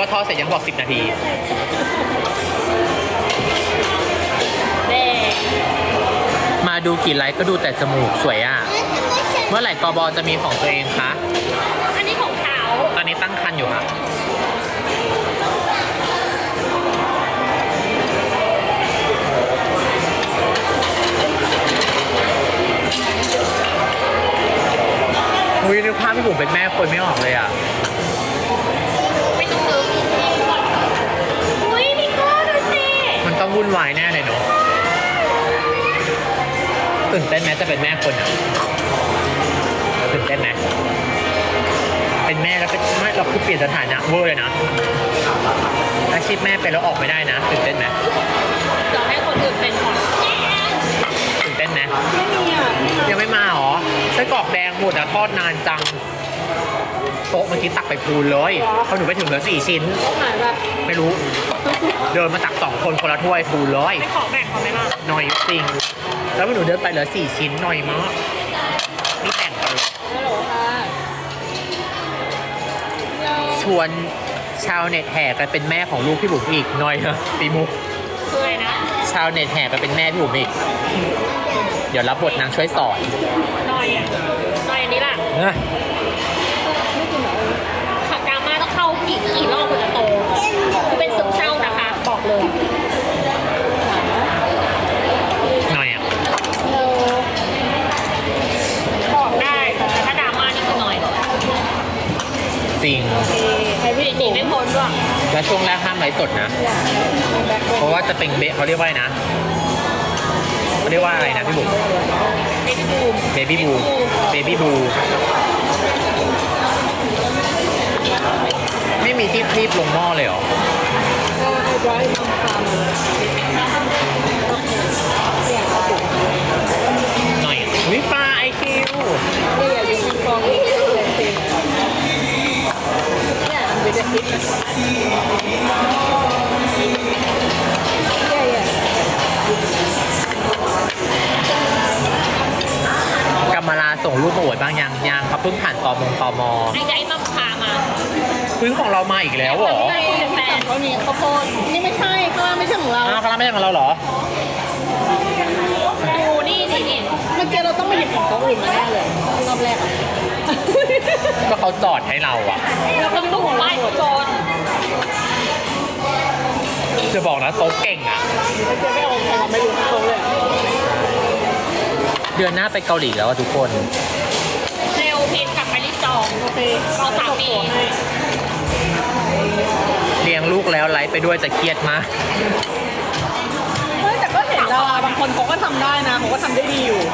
ว่าทอดเสร็จยังบอก10 นาทีมาดูกี่ไลค์ก็ดูแต่จมูกสวยอ่ะเมื่อไหร่กบจะมีของตัวเองคะอันนี้ของเขาตอนนี้ตั้งครรภ์อยู่ค่ะอุ้ยนึกภาพพี่บุ๋มเป็นแม่คนไม่ออกเลยอ่ะไม่ต้องซื้ออุ้ยพี่ก้อนดูสิมันต้องวุ่นวายแน่เลยเนาะตื่นเต้นไหมจะเป็นแม่คนอ่ะตื่นเต้นไหมเป็นแม่แล้วก็ไม่เราคือเปลี่ยนสถานะเวอร์เลยนะอาชีพแม่เป็นแล้วออกไม่ได้นะตื่นเต้นไหมจะให้คนอื่นเป็นก่อนตื่นเต้นไหมยังไม่มาหรอไส้กรอกแดงหมดอะทอดนานจังโต๊ะเมื่อกี้ตักไปพูนเลยพอหนูไปถึงเหลือ4 ชิ้นไม่รู้เดินมาตัก2 คนคนละถ้วยพูนเลยไม่ขอแบ่งเขาไหมล่ะหน่อยจริงแล้วหนูเดินไปเหลือ4 ชิ้นหน่อยมากนี่แต่งกันเลยชวนชาวเน็ตแห่กันเป็นแม่ของลูกพี่บุ๋มอีกหน่อยเหรอปีมุกคืออะไรนะชาวเน็ตแห่กันเป็นแม่พี่บุ๋มอีกเดี๋ยวรับบทนางช่วยสอนหน่อยอันนี้ล่ะขับกามาต้องเข้ากี่รอบถึงจะโตคือเป็นซึมเศร้านะคะบอกเลยหน่อยอ่ะบอกได้แต่ถ้าดราม่านี่คือหน่อยจริงไอ้พี่หนีไม่พ้นด้วยและช่วงแรกห้ามไลฟ์สดนะเพราะว่าจะเป็นเขาเรียกว่านะเขาเรียกว่าอะไรนะพี่บุ๋มเบบี้บูไม่มีที่คลีบลงหม้อเลยเหรอหน่อยวิปลาไอคิวกำมะลาส่งรูปมาอวดบ้างยังเขาเพิ่งผ่านตมไอ้มัมพามาพื้นของเรามาอีกแล้วเหรอแฟนเขานี่ข้าวโพดนี่ไม่ใช่ข้างล่างไม่ใช่ของเราข้างล่างไม่ใช่ของเราเหรอดูนี่เมื่อกี้เราต้องไปหยิบของเขาอื่นมาแน่เลยรอบแรกก็เขาจอดให้เราอ่ะเราต้องดูของไล่จนจะบอกนะโต๊ะเก่งอ่ะไม่เอาใครไม่รู้โต๊ะเลยเดือนหน้าไปเกาหลีแล้วทุกคนเซลเพนกลับไปรีบจองโอเคเอาสามีเลี้ยงลูกแล้วไลฟ์ไปด้วยจะเครียดมากแต่ก็เห็นดาราบางคนเขาก็ทำได้นะเขาก็ทำได้ดีอยู่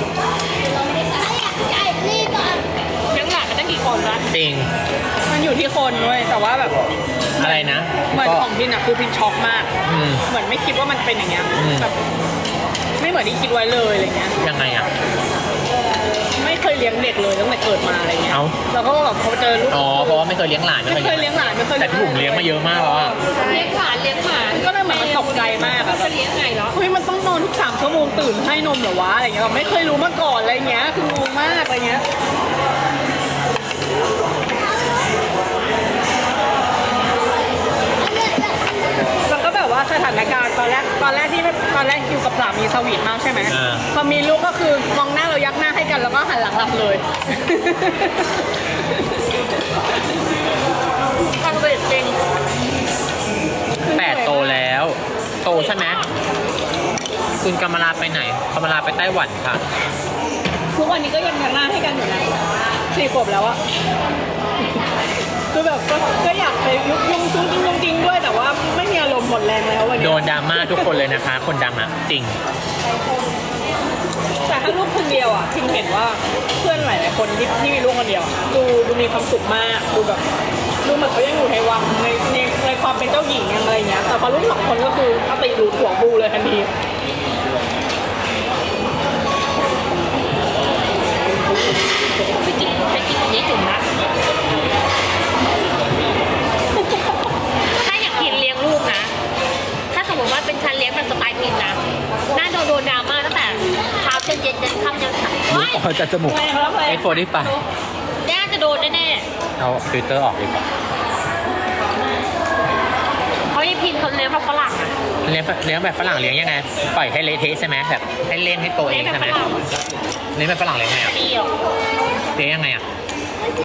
ยังหลานกันตั้งกี่คนละจริงมันอยู่ที่คนด้วยแต่ว่าแบบอะไรนะเหมือนของพินอ่ะคือพินช็อกมากเหมือนไม่คิดว่ามันเป็นอย่างเงี้ยแบบไม่เหมือนที่คิดไว้เลยอะไรเงี้ยยังไงอ่ะไม่เคยเลี้ยงเด็กเลยตั้งแต่เกิดมาอะไรเงี้ยแล้วก็แบบเขาเจอลูกเพราะว่าไม่เคยเลี้ยงหลานไม่เคยเลี้ยงหลานไม่เคยแต่พี่บุ๋มเลี้ยงมาเยอะมากแล้วอ่ะเลี้ยงหลานก็เลยเหมือนมันตกใจมากอะจะเลี้ยงไงเนาะเฮ้ยมันต้องนอนทุก3 ชั่วโมงตื่นให้นมเหรอวะอะไรเงี้ยเราไม่เคยรู้มาก่อนอะไรเงี้ยคืองงมากอะไรเงี้ยแล้วก็แบบว่าสถานการณ์ตอนแรกอยู่กับสามีสวีทมากใช่ไหมพอมีลูกก็คือมองหน้าเรายักหน้าให้กันแล้วก็หันหลังหลับเลยฟังเสียงจริง 8 โตแล้วโตใช่ไหมคุณกำมะลาไปไหนกำมะลาไปไต้หวันค่ะทุกวันนี้ก็ยังยักหน้าให้กันอยู่นะ4 ขวบแล้วอะคือแบบก็อยากไปยุ่งจริงด้วยแต่ว่าไม่มีอารมณ์หมดแรงแล้ววันนี้โดนดราม่าทุกคนเลยนะคะคนดังอ่ะจริงแต่ถ้าลูกคนเดียวอ่ะพิมเห็นว่าเพื่อนหลายๆคนที่มีลูกคนเดียวดูมีความสุขมากดูแบบดูเหมือนเขายังอยู่ในวังในความเป็นเจ้าหญิงอะไรเงี้ยแต่พอลูก2 คนก็คือสติหลุดหัวบูเลยทันทีไปกินอันนี้จุ่มนะถ้าอยากกินเลี้ยงลูกนะถ้าสมมติว่าเป็นฉันเลี้ยงแบบสไตล์พินนะน่าโดนดราม่าตั้งแต่เช้าจนเย็นค่ำจนสายจะจมูกไอโฟนที่ปะน่าจะโดนแน่เอาฟิลเตอร์ออกดีกว่าท่าฝรั่งอะเลี้ยงแบบฝรั่งเลี้ยงยังไงปล่อยให้เละเทะใช่ไหมแบบให้เล่นให้โตเองเลี้ยงแบบใช่ไหมฝรั่งเลี้ยงแบบฝรั่งเลี้ยงไงอ่ะดีหรอเลี้ยงยังไงอ่ะ